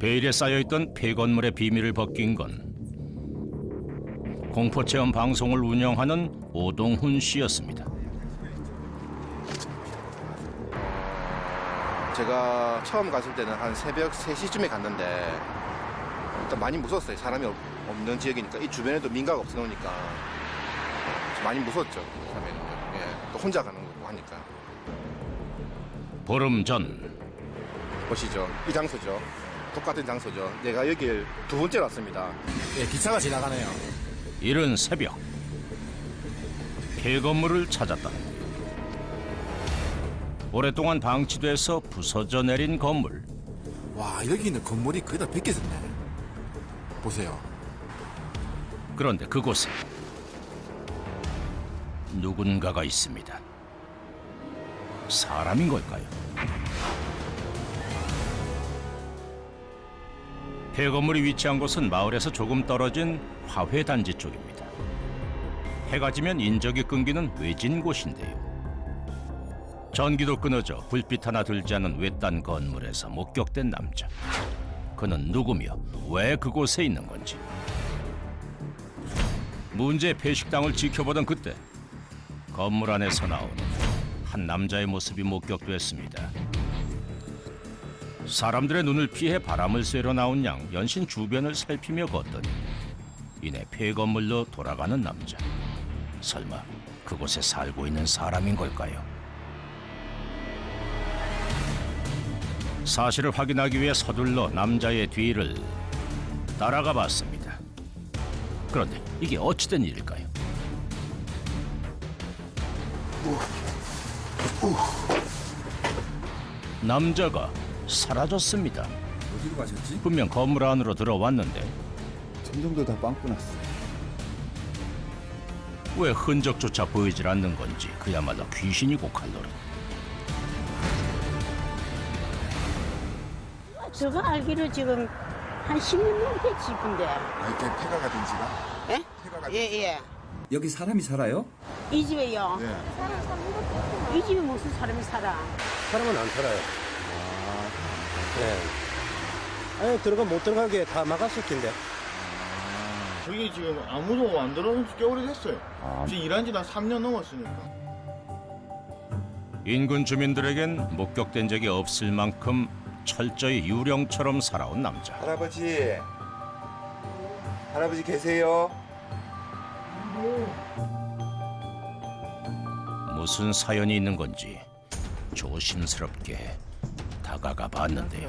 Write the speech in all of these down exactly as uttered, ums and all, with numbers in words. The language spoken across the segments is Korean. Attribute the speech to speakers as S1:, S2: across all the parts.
S1: 베일에 쌓여있던 폐건물의 비밀을 벗긴 건 공포체험 방송을 운영하는 오동훈 씨였습니다.
S2: 제가 처음 갔을 때는 한 새벽 세 시쯤에 갔는데 일단 많이 무서웠어요. 사람이 없- 없는 지역이니까 이 주변에도 민가가 없어놓으니까 많이 무서웠죠. 처음에는. 예, 또 혼자 가는 거고 하니까.
S1: 보름 전
S2: 보시죠. 이 장소죠. 똑같은 장소죠. 내가 여길 두 번째 왔습니다.
S3: 예, 기차가 지나가네요.
S1: 이른 새벽 폐건물을 찾았다는데요. 오랫동안 방치돼서 부서져 내린 건물.
S3: 와, 여기는 건물이 거의 다 벗겨졌네. 보세요.
S1: 그런데 그곳에 누군가가 있습니다. 사람인 걸까요? 폐건물이 위치한 곳은 마을에서 조금 떨어진 화훼단지 쪽입니다. 해가 지면 인적이 끊기는 외진 곳인데요. 전기도 끊어져 불빛 하나 들지 않은 외딴 건물에서 목격된 남자. 그는 누구며 왜 그곳에 있는 건지. 문제의 폐식당을 지켜보던 그때 건물 안에서 나오는 한 남자의 모습이 목격됐습니다. 사람들의 눈을 피해 바람을 쐬러 나온 양 연신 주변을 살피며 걷더니 이내 폐건물로 돌아가는 남자. 설마 그곳에 살고 있는 사람인 걸까요? 사실을 확인하기 위해 서둘러 남자의 뒤를 따라가 봤습니다. 그런데 이게 어찌된 일일까요? 남자가 사라졌습니다.
S4: 어디로 가셨지?
S1: 분명 건물 안으로 들어왔는데
S4: 점점도 다 빵꾸 났어.
S1: 왜 흔적조차 보이질 않는 건지 그야말로 귀신이고 칼로리.
S5: 제가 알기로 지금 한 십 년 넘게 집인데.
S4: 아, 이렇게 폐가 가든 지가?
S5: 예?
S4: 폐가 가든
S5: 예, 예.
S4: 여기 사람이 살아요?
S5: 이 집에요.
S4: 네.
S5: 이 집에 무슨 사람이 살아?
S6: 사람은 안 살아요. 네. 아니, 들어가 못 들어가게 다 막았을 텐데.
S7: 저기 지금 아무도 안 들어온 지 꽤 오래됐어요. 지금 일한 지는 삼 년 넘었으니까.
S1: 인근 주민들에겐 목격된 적이 없을 만큼 철저히 유령처럼 살아온 남자.
S4: 할아버지. 할아버지 계세요?
S1: 무슨 사연이 있는 건지 조심스럽게 다가가 봤는데요.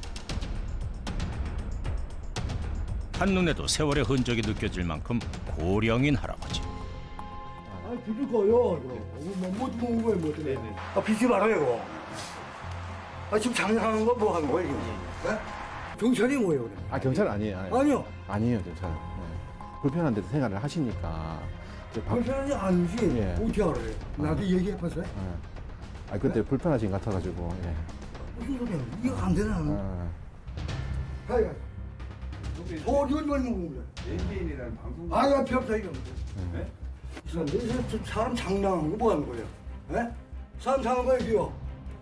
S1: 한눈에도 세월의 흔적이 느껴질 만큼 고령인 할아버지.
S8: 아, 비빌거요. 뭐, 뭐, 뭐, 뭐, 뭐, 네네. 아, 비지 말아요, 이거. 아, 지금 장난하는 거 뭐 하는 거예요, 이거? 네? 경찰이 뭐예요, 그래?
S9: 아 경찰 아니에요. 아니,
S8: 아니요.
S9: 아니에요 경찰. 네. 불편한 데서 생활을 하시니까. 이제 방-
S8: 경찰이 아니지.
S9: 예.
S8: 어떻게 알아요? 나한테 얘기해봤어요?
S9: 예. 아 그때 불편하신 것 같아가지고. 예.
S8: 무슨 소리야? 이거 안 되나?
S9: 아,
S8: 가야. 어디 어디 먹는 거야?
S4: 엔비엔이라는 방송.
S8: 아, 야, 필요 없다, 이거. 네? 이 사람, 이 사람 저 사람 장난하는 거 뭐 하는 거예요? 예? 사람 장난하는 거예요, 이거?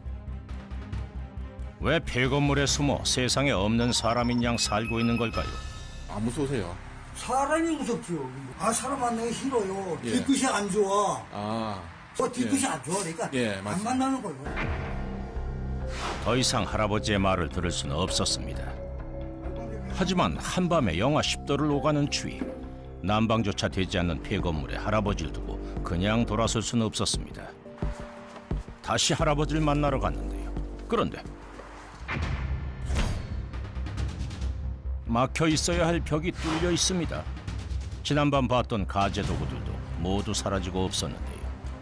S1: 왜 폐건물에 숨어 세상에 없는 사람인 양 살고 있는 걸까요?
S3: 안 무서우세요?
S8: 사람이 무섭죠. 아, 사람 만나기 싫어요.
S3: 예.
S8: 뒤끝이 안 좋아.
S3: 아,
S8: 어, 뒤끝이
S3: 예.
S8: 안 좋아. 그러니까
S3: 예,
S8: 안
S3: 맞습니다.
S8: 만나는 거예요.
S1: 더 이상 할아버지의 말을 들을 수는 없었습니다. 하지만 한밤에 영하 십 도를 오가는 추위, 난방조차 되지 않는 폐건물에 할아버지를 두고 그냥 돌아설 수는 없었습니다. 다시 할아버지를 만나러 갔는데요. 그런데 막혀 있어야 할 벽이 뚫려 있습니다. 지난밤 봤던 가재 도구들도 모두 사라지고 없었는데요.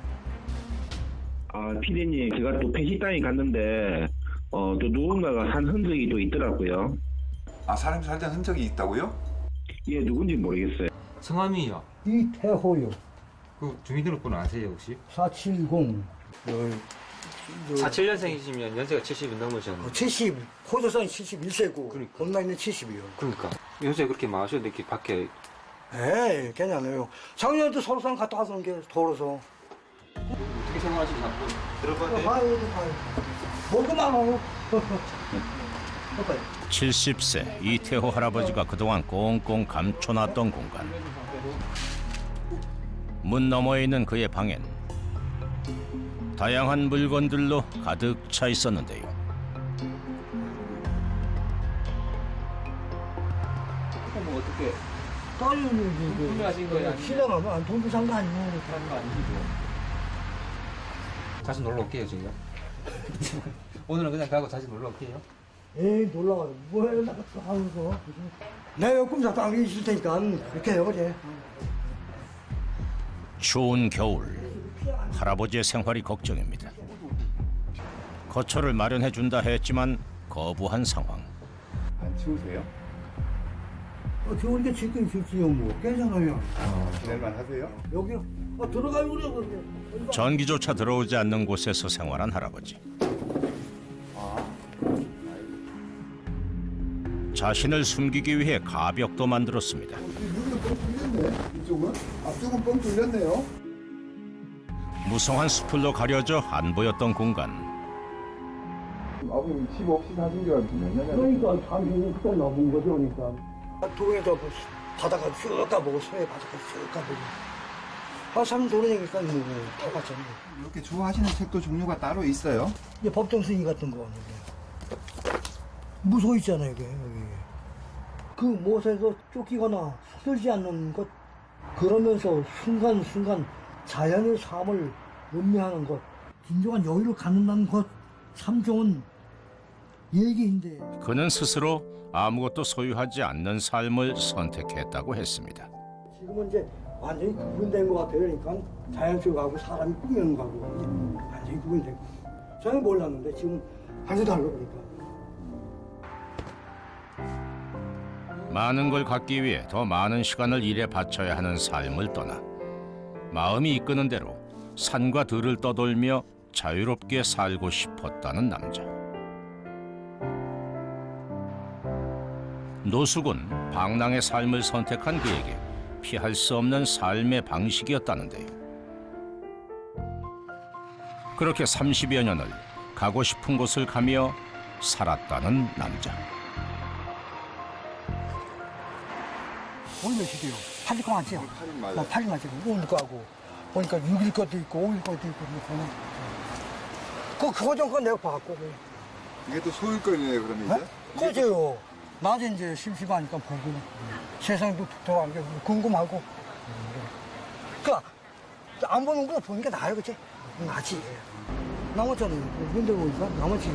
S10: 아, 피디님, 제가 또 폐식당에 갔는데, 어, 또 누군가가 산 흔적이 또 있더라고요.
S4: 아, 사람이 살던 흔적이 있다고요?
S10: 예, 누군지 모르겠어요.
S11: 성함이요?
S8: 이태호요.
S11: 그 주민등록번호 아세요 혹시?
S8: 사칠공.
S11: 사칠 년생이시면 연세가 칠십이 넘으셨는데.
S8: 칠십. 호조선 칠십일 세고.
S11: 그러니까.
S8: 겁나있는 칠십이요.
S11: 그러니까 요새 그렇게 마셔도 이렇게 밖에.
S8: 에이, 괜찮아요. 작년에도 서울산 갔다 왔던 게 더워서.
S11: 어떻게 생활하시지 자꾸
S8: 들어봐요. 아유, 아유. 뭐그 많아요.
S1: 칠십 세 이태호 할아버지가 그동안 꽁꽁 감춰놨던 공간. 문 너머에 있는 그의 방엔 다양한 물건들로 가득 차 있었는데요.
S11: 뭐 어떻게
S8: 딸이
S11: 구매하신 거예요? 아니면
S8: 신랑하면 안 돈도 산 거 아니에요.
S11: 다른 거 아니시죠? 다시 놀러 올게요 저희가. 오늘은 그냥 가고 다시 놀러 올게요.
S8: 에이 놀라가지고 뭐해 나갔어 하면서 내가 꿈 잡고 안 있을 테니까 그렇게 해요 그래.
S1: 추운 겨울 할아버지의 생활이 걱정입니다. 거처를 마련해 준다 했지만 거부한 상황.
S4: 안 추우세요?
S8: 어, 좋은데 지금 좋지요 뭐 괜찮아요.
S4: 지낼만 하세요?
S8: 여기 어, 들어가요 그래 그래.
S1: 전기조차 들어오지 않는 곳에서 생활한 할아버지. 자신을 숨기기 위해 가벽도 만들었습니다.
S4: 여기는 뻥 뚫렸네. 이쪽은? 앞쪽은 뻥 뚫렸네요.
S1: 무성한 수풀로 가려져 안 보였던 공간.
S4: 아버님 집 없이 사신 지가 몇 년이나
S8: 그러니까 당신이 그때 넘은 거죠 그러니까. 도에서 바다가 쓱 가보고 서해 바다가 쓱 가보고. 아 사람 돌아다니니까 뭐 다 봤잖아요.
S4: 이렇게 좋아하시는 책도 종류가 따로 있어요?
S8: 이게 법정 승인 같은 거 이게. 무소 있잖아요 이게 여기. 그 못에서 쫓기거나 서들지 않는 것 그러면서 순간순간 자연의 삶을 음미하는 것 진정한 여유를 갖는다는 것 참 좋은 얘기인데
S1: 그는 스스로 아무것도 소유하지 않는 삶을 선택했다고 했습니다.
S8: 지금은 이제 완전히 구분된 것 같아요. 그러니까 자연 속하고 사람이 꾸미는 거하고 완전히 구분되고 저는 몰랐는데 지금 완전히 달라 그러니까.
S1: 많은 걸 갖기 위해 더 많은 시간을 일에 바쳐야 하는 삶을 떠나 마음이 이끄는 대로 산과 들을 떠돌며 자유롭게 살고 싶었다는 남자. 노숙은 방랑의 삶을 선택한 그에게 피할 수 없는 삶의 방식이었다는데요. 그렇게 삼십여 년을 가고 싶은 곳을 가며 살았다는 남자.
S8: 오늘 몇시게요? 팔 일 거 맞죠?
S4: 팔 일 맞아요.
S8: 팔 일 맞죠? 오일 거 하고 보니까 육 일 것도 있고 오 일 것도 있고 그러네. 그 그거 좀 거 내가 봤고.
S4: 이게 또 소일거리네요 그러면 이제?
S8: 그죠. 낮에 이제 심심하니까 보고 세상도 독특한 게 궁금하고. 그 안 보는 거 보니까 나아요, 그치? 나지. 남았잖아요. 근데 보니까 남았지.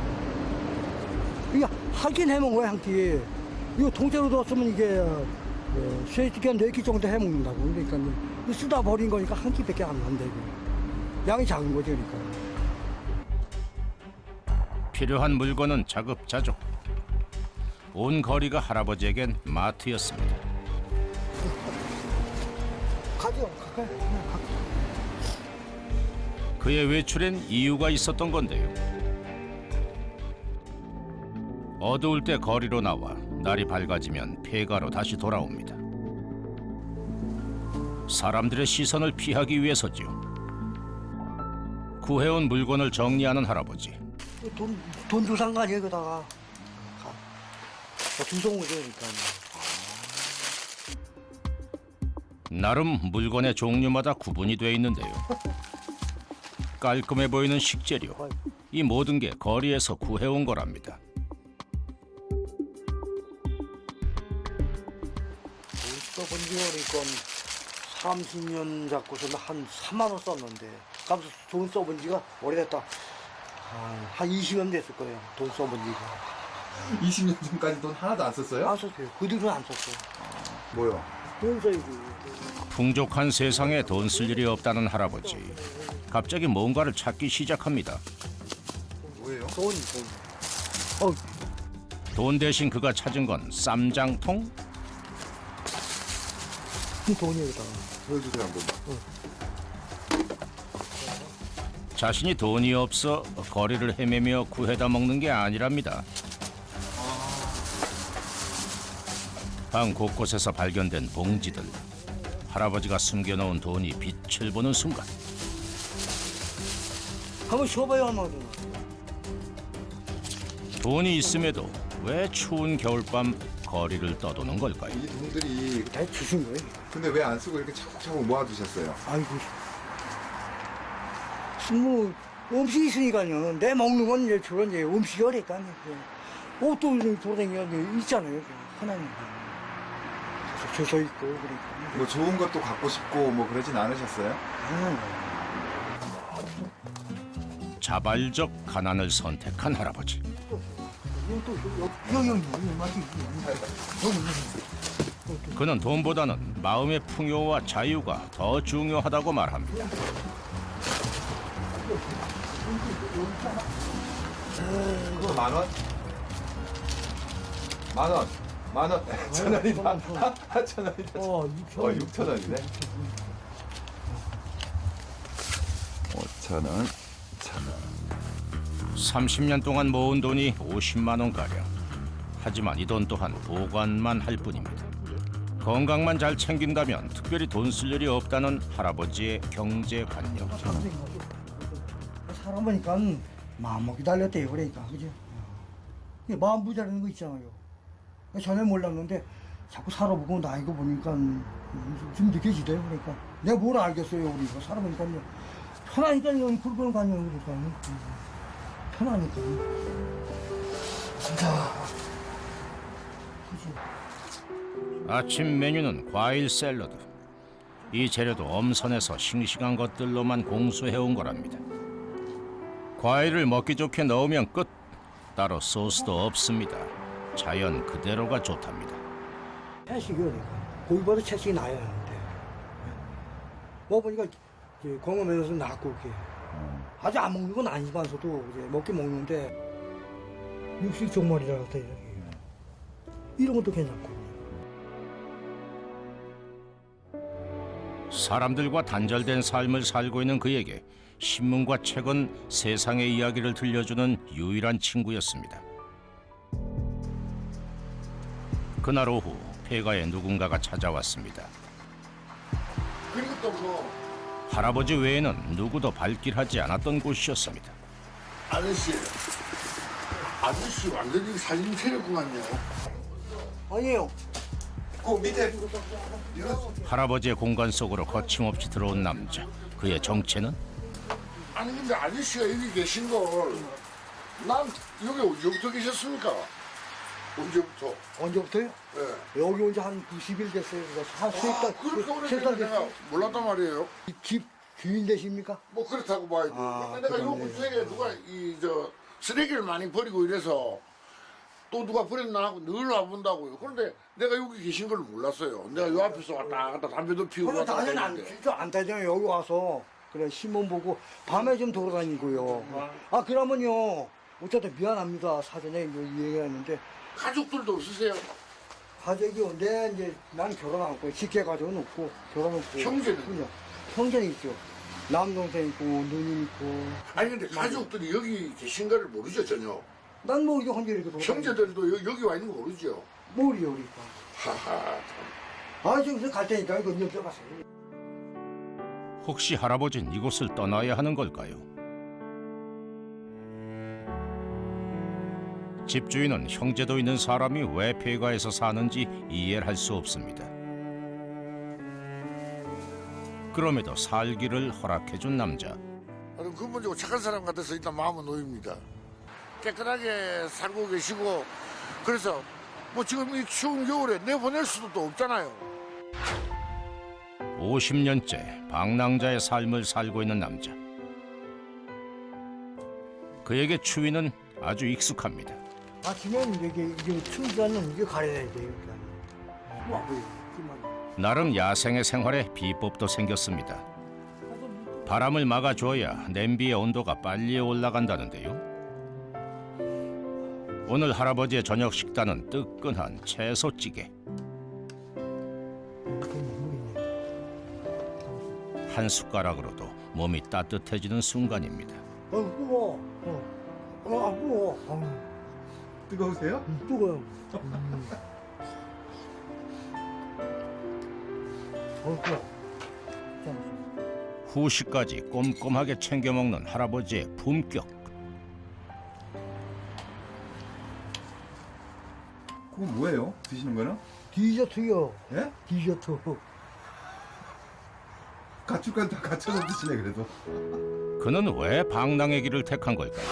S8: 이거 하긴 해먹은 거야, 한 끼. 이거 통째로 뒀으면 이게 어, 세 끼, 네 끼 정도 해먹는다고. 그러니까 이거 쓰다 버린 거니까 한 끼밖에 안 난다, 이거. 양이 작은 거지, 그러니까.
S1: 필요한 물건은 자급자족. 온 거리가 할아버지에겐 마트였습니다.
S8: 가죠, 가까이. 그냥 가.
S1: 그의 외출엔 이유가 있었던 건데요. 어두울 때 거리로 나와 날이 밝아지면 폐가로 다시 돌아옵니다. 사람들의 시선을 피하기 위해서지요. 구해온 물건을 정리하는 할아버지.
S8: 돈, 돈 주산 거 아니에요, 그다가. 두성 오죠니까.
S1: 나름 물건의 종류마다 구분이 돼 있는데요. 깔끔해 보이는 식재료. 이 모든 게 거리에서 구해온 거랍니다.
S8: 돈 써본 지 그러니까 삼십 년 잡고서는 한 삼만 원 썼는데 값 돈 써본 지가 오래됐다. 한, 한 이십 년 됐을 거예요. 돈 써본 지가.
S4: 이십 년 전까지 돈 하나도 안 썼어요?
S8: 안 썼어요. 그 뒤로는 안 썼어요.
S4: 뭐요?
S8: 돈 써야지.
S1: 풍족한 세상에 돈 쓸 일이 없다는 할아버지. 갑자기 뭔가를 찾기 시작합니다.
S4: 뭐예요?
S8: 돈, 돈. 어,
S1: 돈 대신 그가 찾은 건 쌈장통?
S8: 이 돈이에요, 그다가.
S4: 보여주세요 한 번만.
S1: 자신이 돈이 없어 거리를 헤매며 구해다 먹는 게 아니랍니다. 방 곳곳에서 발견된 봉지들. 할아버지가 숨겨놓은 돈이 빛을 보는 순간
S8: 한번 쉬어봐요, 얼마 전.
S1: 돈이 있음에도 왜 추운 겨울밤 거리를 떠도는 걸까요?
S9: 이 돈들이
S8: 다 주신 거예요.
S9: 근데 왜 안 쓰고 이렇게 차곡차곡 모아두셨어요?
S8: 아이고. 뭐 음식이 있으니까요. 내 먹는 건 이제 주로 이제 음식이 어니까요. 옷도 돌아다니는 있잖아요. 하나님. 주소 있고 그러니까.
S9: 뭐 좋은 것도 갖고 싶고 뭐 그러진 않으셨어요?
S1: 자발적 가난을 선택한 할아버지.
S8: 여기 여기 맞지?
S1: 그는 돈보다는 마음의 풍요와 자유가 더 중요하다고 말합니다.
S9: 이거 만 원? 만 원? 만 원? 천 원이다. 천 원이다.
S8: 어,
S9: 어, 육천 원이네. 오천 원, 천 원.
S1: 삼십 년 동안 모은 돈이 오십만 원가량. 하지만 이 돈 또한 보관만 할 뿐입니다. 건강만 잘 챙긴다면 특별히 돈 쓸 일이 없다는 할아버지의 경제관념.
S8: 사람 보니까 마음 먹기 달렸대요. 그러니까 그죠? 마음 부자라는 거 있잖아요. 전에 몰랐는데 자꾸 살아보고 나이고 보니까 좀 느껴지대요. 그러니까 내가 뭘 알겠어요. 우리가 살아보니까요. 편하니까요. 그런 거 아니에요. 그러니까 편하니까. 진짜. 그지?
S1: 아침 메뉴는 과일 샐러드. 이 재료도 엄선해서 싱싱한 것들로만 공수해온 거랍니다. 과일을 먹기 좋게 넣으면 끝. 따로 소스도 없습니다. 자연 그대로가 좋답니다.
S8: 채식이 그러니까 고기보다 채식이 나아야 하는데 먹어보니까 이제 건강면에서 낫고 이렇게 아주 안 먹는 건 아니지만서도 이제 먹긴 먹는데 육식 종말이라고 해야 되나 이런 것도 괜찮고.
S1: 사람들과 단절된 삶을 살고 있는 그에게 신문과 책은 세상의 이야기를 들려주는 유일한 친구였습니다. 그날 오후 폐가에 누군가가 찾아왔습니다.
S4: 그리고 또그
S1: 할아버지 외에는 누구도 발길하지 않았던 곳이었습니다.
S4: 아저씨, 아저씨 완전히 살림 차렸구 같네요.
S8: 아니에요.
S4: 그 밑에 이거
S1: 할아버지의 공간 속으로 거침없이 들어온 남자. 그의 정체는
S4: 아니 근데 아저씨가 여기 계신 걸 난 여기 언제부터 계셨습니까? 언제부터?
S8: 언제부터요?
S4: 예.
S8: 여기 온 지 한 구십 일 됐어요. 한 수십 달,
S4: 아, 그렇게
S8: 세
S4: 오래됐는데
S8: 달
S4: 내가
S8: 됐어요.
S4: 몰랐단 말이에요.
S8: 이 집 주인 되십니까?
S4: 뭐 그렇다고 봐야지.
S8: 아,
S4: 내가 요
S8: 그러네.
S4: 근처에 누가 이 저 쓰레기를 많이 버리고 이래서 또 누가 버렸나 하고 늘 와본다고요. 그런데 내가 여기 계신 걸 몰랐어요. 내가 요 앞에서 왔다 갔다 담배도 피우고
S8: 그러면
S4: 왔다 갔다
S8: 나는 안,
S4: 했는데.
S8: 진짜 안 타잖아요. 여기 와서 그래 신문 보고 밤에 좀 돌아다니고요. 아 그러면요. 어쨌든 미안합니다. 사전에 이거 얘기하는데
S4: 가족들도 없으세요?
S8: 가족이 내 이제 난 결혼하고 직계 가족은 없고 결혼 없고
S4: 형제는?
S8: 그냥 형제는 있죠. 남동생 있고 누님 있고.
S4: 아니 근데 가족들이 여기 계신 거를 모르죠 전혀.
S8: 난 뭐 이거 혼자 이렇게 돌아다니고.
S4: 형제들도 여, 여기 와 있는 거 모르죠.
S8: 모르요 그러니까.
S4: 하하.
S8: 아 지금 갈 테니까 이거 여쭤봤어요.
S1: 혹시 할아버진 이곳을 떠나야 하는 걸까요? 집주인은 형제도 있는 사람이 왜 폐가에서 사는지 이해를 할 수 없습니다. 그럼에도 살기를 허락해준 남자.
S4: 나는 근본적으로 착한 사람 같아서 일단 마음은 놓입니다. 깨끗하게 살고 계시고 그래서 뭐 지금 이 추운 겨울에 내보낼 수도 또 없잖아요.
S1: 오십 년째 방랑자의 삶을 살고 있는 남자. 그에게 추위는 아주 익숙합니다.
S8: 아침엔 이게 이게 춘자는 이게 가려야 돼요. 와 보여.
S1: 나름 야생의 생활에 비법도 생겼습니다. 바람을 막아줘야 냄비의 온도가 빨리 올라간다는데요. 오늘 할아버지의 저녁 식단은 뜨끈한 채소찌개. 한 숟가락으로도 몸이 따뜻해지는 순간입니다.
S8: 어 뜨거워. 어, 어, 아, 뜨거워. 어,
S9: 뜨거우세요?
S8: 음, 뜨거워요. 음. 어, 뜨거워. 자,
S1: 후식까지 꼼꼼하게 챙겨 먹는 할아버지의 품격.
S3: 그거 뭐예요? 드시는 거는?
S8: 디저트요.
S3: 예?
S8: 디저트.
S3: 가축간 다 갖춰서 드시네 그래도.
S1: 그는 왜 방랑의 길을 택한 걸까요?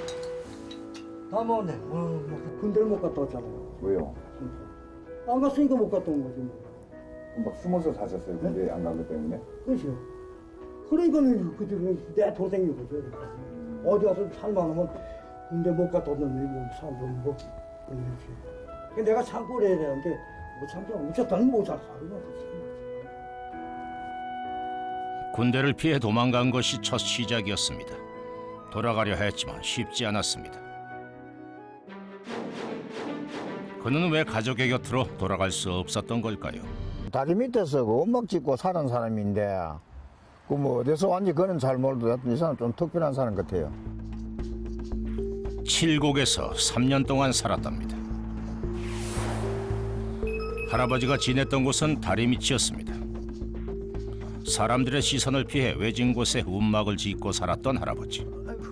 S8: 다 먹었네. 어, 뭐, 군대를 못 갔다 왔잖아요.
S9: 왜요?
S8: 안 갔으니까 못 갔다 온 거지. 뭐.
S9: 막 숨어서 사셨어요? 군대 안 간 것 때문에?
S8: 그렇죠. 그러니까는 그때 내 동생이 거죠. 어디 가서 살만하면 군대 못 갔다 왔는데 뭐 살도 뭐 그렇지. 근데 내가 참고를 해야 되는데 못 참고 어쨌든 못살 살고.
S1: 군대를 피해 도망간 것이 첫 시작이었습니다. 돌아가려 했지만 쉽지 않았습니다. 그는 왜 가족의 곁으로 돌아갈 수 없었던 걸까요?
S12: 다리 밑에서 그 원막 짓고 사는 사람인데 그 뭐 어디서 왔는지 그는 잘 모르도 이 사람 좀 특별한 사람 같아요.
S1: 칠곡에서 삼 년 동안 살았답니다. 할아버지가 지냈던 곳은 다리 밑이었습니다. 사람들의 시선을 피해 외진 곳에 움막을 짓고 살았던 할아버지.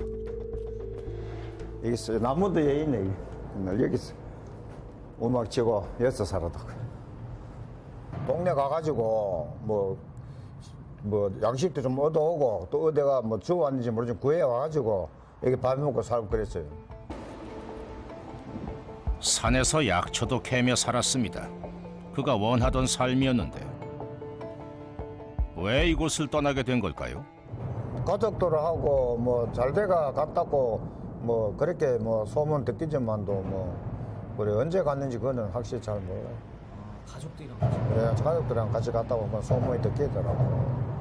S12: 여기 있어요. 나무도 여기 있네. 맨날 여기 있어. 원막 짓고 여기서 살았다. 동네 가가지고 뭐, 뭐 양식도 좀 얻어오고 또 어디가 뭐 주워 왔는지 모르지만 구해 와가지고 여기 밥 먹고 살고 그랬어요.
S1: 산에서 약초도 캐며 살았습니다. 그가 원하던 삶이었는데 왜 이곳을 떠나게 된 걸까요?
S12: 가족들하고 뭐 잘돼가 갔다고 뭐 그렇게 뭐 소문 듣기지만도 뭐 우리 언제 갔는지 그거는 확실히 잘 몰라요.
S11: 가족들이랑
S12: 네, 가족들이랑 같이 갔다고 뭐 소문이 듣기더라고.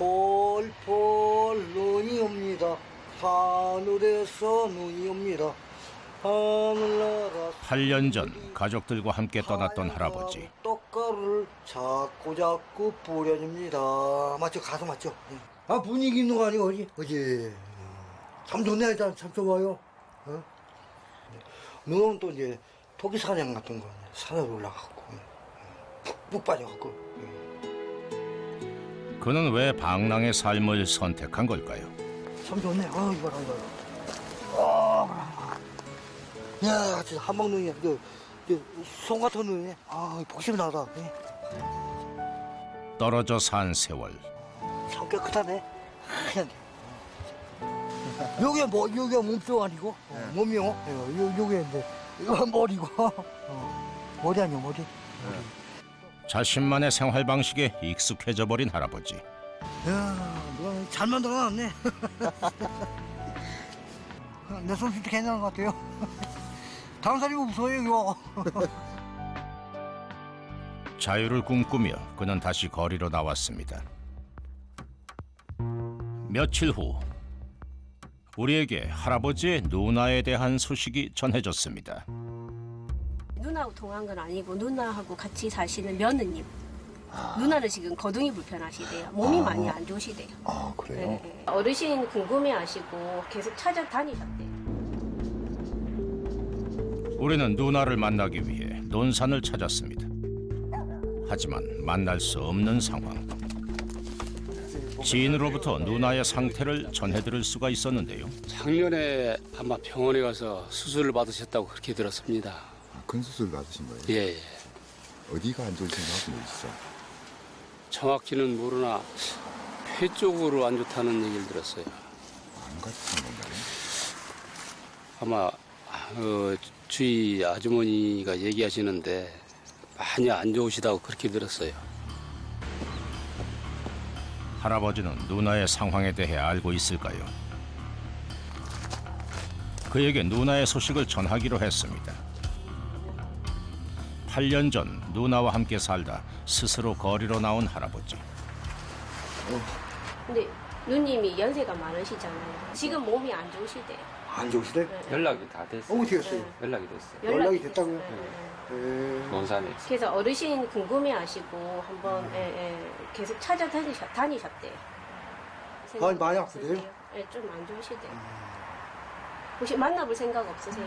S8: 폴폴 눈이 옵니다. 하늘에서 눈이 옵니다. 하늘나라
S1: 팔 년 전 가족들과 함께 떠났던 할아버지.
S8: 떡가루를 자꾸 자꾸 뿌려줍니다. 맞죠? 가수 맞죠? 아 분위기 있는 거 아니고 어지? 그지? 참 좋네. 일단 참 좋아요. 어? 눈은 또 이제 토끼 사냥 같은 거 산에 올라가고 푹 빠져갖고.
S1: 그는 왜 방랑의 삶을 선택한 걸까요?
S8: 참 좋네. 아 이거라 이거. 아, 야 진짜 한방 눈이야. 그, 그, 손 같은 눈이네. 아 복심이 나다. 예.
S1: 떨어져 산 세월.
S8: 참 깨끗하네. 하얀. 요게 뭐 요게 몸도 아니고 어, 몸이요. 요 요게 이제 이거 머리고 어, 머리 아니요 머리. 머리.
S1: 자신만의 생활 방식에 익숙해져 버린 할아버지.
S8: 야, 누가 잘 만들어놨네. 내 손짓도 괜찮은 것 같아요. 다른 사람이 무서워요, 이거.
S1: 자유를 꿈꾸며 그는 다시 거리로 나왔습니다. 며칠 후 우리에게 할아버지의 누나에 대한 소식이 전해졌습니다.
S13: 누나하고 동한 건 아니고 누나하고 같이 사시는 며느님. 누나는 지금 거동이 불편하시대요. 몸이
S2: 아.
S13: 많이 안 좋으시대요.
S2: 아 그래요?
S13: 네, 네. 어르신 궁금해하시고 계속 찾아다니셨대요.
S1: 우리는 누나를 만나기 위해 논산을 찾았습니다. 하지만 만날 수 없는 상황. 지인으로부터 누나의 상태를 전해들을 수가 있었는데요.
S14: 작년에 아마 병원에 가서 수술을 받으셨다고 그렇게 들었습니다.
S3: 큰 수술 받으신 거예요?
S14: 예, 예.
S3: 어디가 안 좋으신 거 하고 있어?
S14: 정확히는 모르나 폐 쪽으로 안 좋다는 얘기를 들었어요.
S3: 암 같은 건가요?
S14: 아마 어, 주위 아주머니가 얘기하시는데 많이 안 좋으시다고 그렇게 들었어요.
S1: 할아버지는 누나의 상황에 대해 알고 있을까요? 그에게 누나의 소식을 전하기로 했습니다. 팔 년 전 누나와 함께 살다 스스로 거리로 나온 할아버지.
S13: 근데 누님이 연세가 많으시잖아요. 지금 몸이 안 좋으시대요.
S8: 안 좋으시대?
S13: 네.
S11: 연락이 다 됐어요.
S8: 어떻게 했어요?
S11: 연락이 됐어요.
S13: 연락이,
S8: 연락이 됐다고요?
S13: 됐어요. 네, 네.
S8: 에...
S11: 논산에.
S13: 그래서 어르신 궁금해하시고 한번 예, 예, 계속 찾아다니셨 다니셨대요.
S8: 아, 많이 아프대요?
S13: 예, 좀 안 좋으시대요. 혹시 만나볼 생각 없으세요?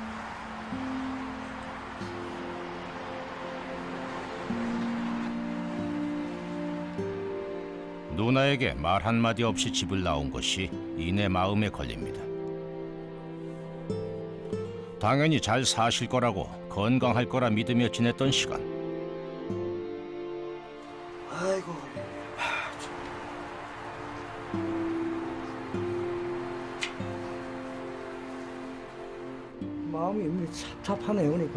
S1: 누나에게 말 한마디 없이 집을 나온 것이 이내 마음에 걸립니다. 당연히 잘 사실 거라고 건강할 거라 믿으며 지냈던 시간.
S8: 아이고. 마음이 찹찹하네요, 그러니까.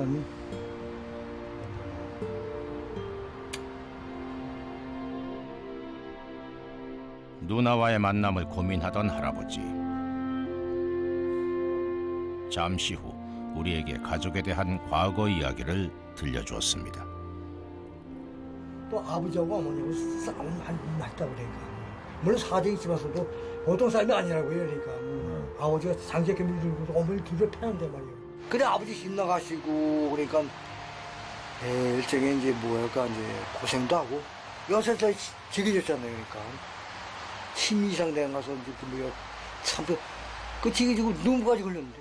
S1: 누나와의 만남을 고민하던 할아버지. 잠시 후 우리에게 가족에 대한 과거 이야기를 들려주었습니다.
S8: 또 아버지하고 어머니하고 싸움 많이 났다 그러니까. 물론 사정이 집에서도 보통 사람이 아니라고요, 그러니까. 아버지가 장제께 물들고 어머니 둘을 패는데 말이에요. 그래 아버지 힘 나가시고 그러니까 에, 일종의 이제 뭐랄까 이제 고생도 하고 여섯 살 지겨졌잖아요, 그러니까. 심 이상 돼 가서 이제 뭐야 참그 지겨지고 눈까지 걸렸는데.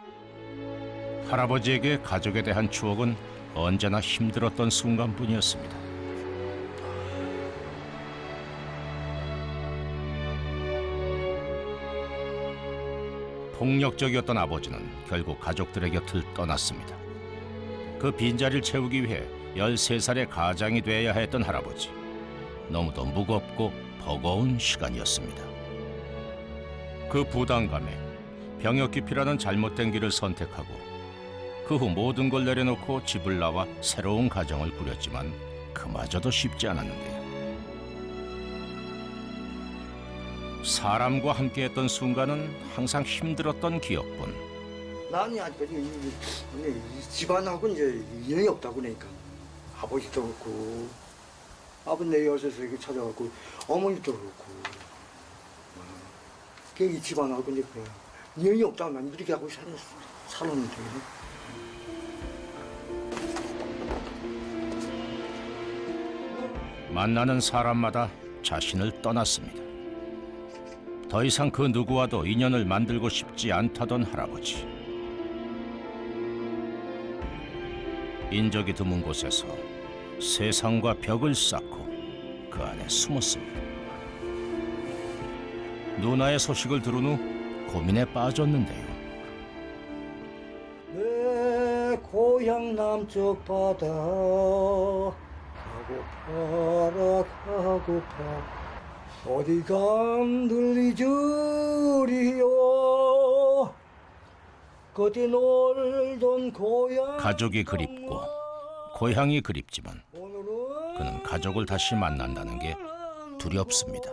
S1: 할아버지에게 가족에 대한 추억은 언제나 힘들었던 순간뿐이었습니다. 폭력적이었던 아버지는 결국 가족들의 곁을 떠났습니다. 그 빈자리를 채우기 위해 열세 살의 가장이 돼야 했던 할아버지. 너무도 무겁고 버거운 시간이었습니다. 그 부담감에 병역 기피라는 잘못된 길을 선택하고 그 후 모든 걸 내려놓고 집을 나와 새로운 가정을 꾸렸지만 그마저도 쉽지 않았는데요. 사람과 함께했던 순간은 항상 힘들었던 기억뿐.
S8: 나는 아직까지 이, 이, 이 집안하고 이제 인연이 없다고 그러니까. 아버지도 그렇고 아버지 내 여섯에서 이렇게 찾아갔고 어머니도 그렇고 그 이 집안하고 이제 그래 인연이 없다고 난 이렇게 하고 살, 살았는데.
S1: 만나는 사람마다 자신을 떠났습니다. 더 이상 그 누구와도 인연을 만들고 싶지 않다던 할아버지. 인적이 드문 곳에서 세상과 벽을 쌓고 그 안에 숨었습니다. 누나의 소식을 들은 후 고민에 빠졌는데요.
S8: 내 고향 남쪽 바다 가고파라 가고파 어디가 들리주리요 그때 놀던 고향.
S1: 가족이 그립고 고향이 그립지만 그는 가족을 다시 만난다는 게 두렵습니다.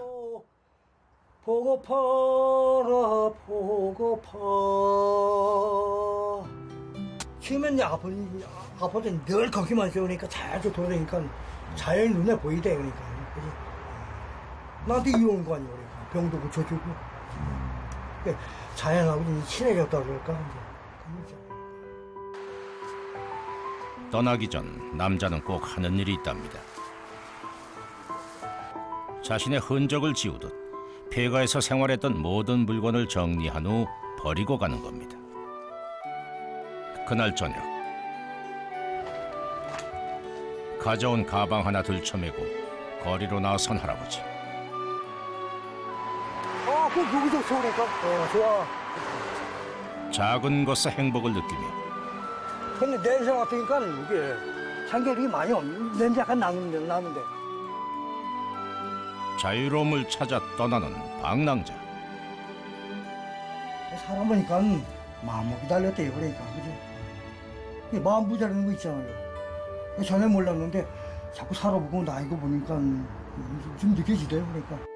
S8: 보고파라 보고파. 처음엔 아버지 아버지는 늘 거기만 있으니까 자주 돌아다니까 자연히 눈에 보이대. 그러니까 그치? 나한테 이러는 거 아니야. 그러니까 병도 고쳐주고 그러니까 자연하고 친해졌다 그럴까 이제.
S1: 떠나기 전 남자는 꼭 하는 일이 있답니다. 자신의 흔적을 지우듯 폐가에서 생활했던 모든 물건을 정리한 후 버리고 가는 겁니다. 그날 저녁 가져온 가방 하나 들쳐매고 거리로 나선 할아버지.
S8: 아, 그 여기서 좋으니까. 어, 좋아.
S1: 작은 것에 행복을 느끼며
S8: 근데 냄새 맡으니까 이게 참기름이 많이 없, 냄새 약간 나는데, 나는데.
S1: 자유로움을 찾아 떠나는 방랑자.
S8: 사람 보니까 마음 기다렸대요, 그러니까. 그죠? 마음 부자라는 거 있잖아요. 전에 몰랐는데 자꾸 살아보고 나이고 보니까 좀 느껴지대요, 그러니까.